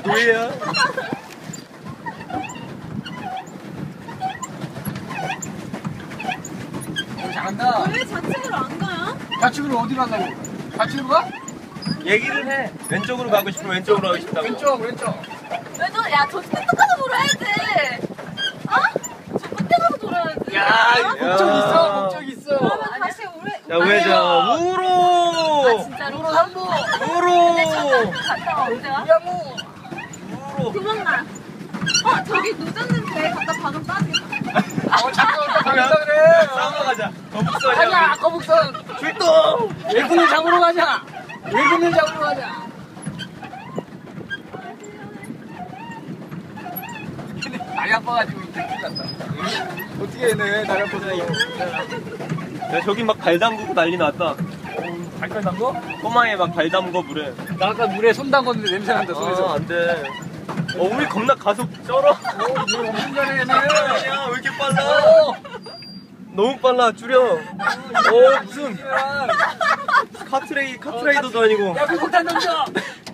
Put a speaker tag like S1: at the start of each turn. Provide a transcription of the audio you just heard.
S1: 노예야.
S2: 잘한다.
S3: 왜 좌측으로 안 가요?
S2: 좌측으로 어디로 간다고? 좌측으로 가?
S1: 얘기를 해. 왼쪽으로 가고 싶으면 왼쪽으로 가고 싶다고.
S2: 왼쪽.
S3: 왜 너, 야, 저 끝에 가서 돌아야지. 어? 저 끝에 가서 돌아야지.
S2: 야,
S3: 어?
S2: 목적 있어, 목적 있어.
S3: 그러면 다시 우회.
S1: 자, 우회전. 우로!
S3: 진짜로?
S2: 우로 3부.
S1: 우로!
S3: 근데 잠깐 갔다 와, 언제 와?
S2: 우야무.
S1: 우로!
S3: 도망가. 저기 노졌는데 갖다 박으면 빠지겠다.
S2: 잠깐 가겠다 그래.
S1: 싸우러 가자. 거북선이야.
S2: 가자, 거북선.
S1: 출동!
S2: 외국인 잡으러 가자. 외국인 잡으러 가자. 근데 다리 아파가지고 이렇게 갔다. 어떻게 해네, 다리 아파서.
S1: 야, 저기 막 발 담그고 난리 났다.
S2: 발걸 담궈?
S1: 꼬마에 막 발 담궈 물에.
S2: 나 아까 물에 손 담궜는데 냄새 난다, 손에서.
S1: 안 돼. 우리 겁나 가속 쩔어.
S2: 물 엄청 잘해, 얘네.
S1: 야, 왜 이렇게 빨라? 너무 빨라, 줄여. 무슨 카트레이더도 아니고.
S2: 야, 불폭탄 던져!